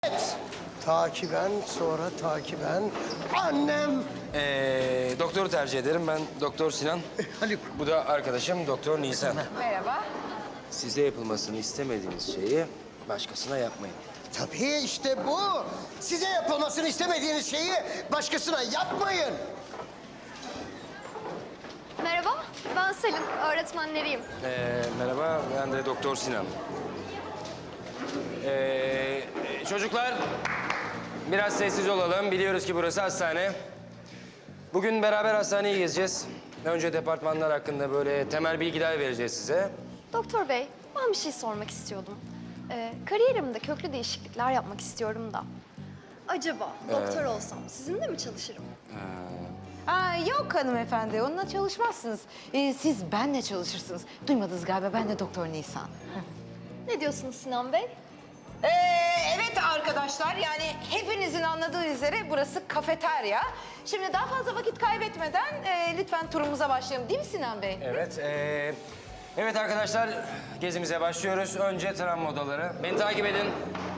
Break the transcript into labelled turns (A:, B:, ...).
A: Takiben, sonra takiben. Annem.
B: Doktoru tercih ederim. Ben Doktor Sinan.
A: Haluk.
B: Bu da arkadaşım Doktor Nisan.
C: Merhaba.
B: Size yapılmasını istemediğiniz şeyi başkasına yapmayın.
A: Tabii işte bu. Size yapılmasını istemediğiniz şeyi başkasına yapmayın.
D: Merhaba, ben Selin. Öğretmenleriyim.
B: Merhaba, ben de Doktor Sinan. Çocuklar, biraz sessiz olalım. Biliyoruz ki burası hastane. Bugün beraber hastaneyi gezeceğiz. Önce departmanlar hakkında böyle temel bilgiler vereceğiz size.
D: Doktor bey, ben bir şey sormak istiyordum. Kariyerimde köklü değişiklikler yapmak istiyorum da. Acaba doktor olsam sizinle mi çalışırım?
C: Yok hanımefendi, onunla çalışmazsınız. Siz benle çalışırsınız. Duymadınız galiba, ben de Doktor Nisan.
D: Ne diyorsunuz Sinan Bey?
C: Evet arkadaşlar, yani hepinizin anladığı üzere burası kafeterya. Şimdi daha fazla vakit kaybetmeden lütfen turumuza başlayalım, değil mi Sinan Bey?
B: Evet, evet arkadaşlar gezimize başlıyoruz. Önce travma odaları. Beni takip edin.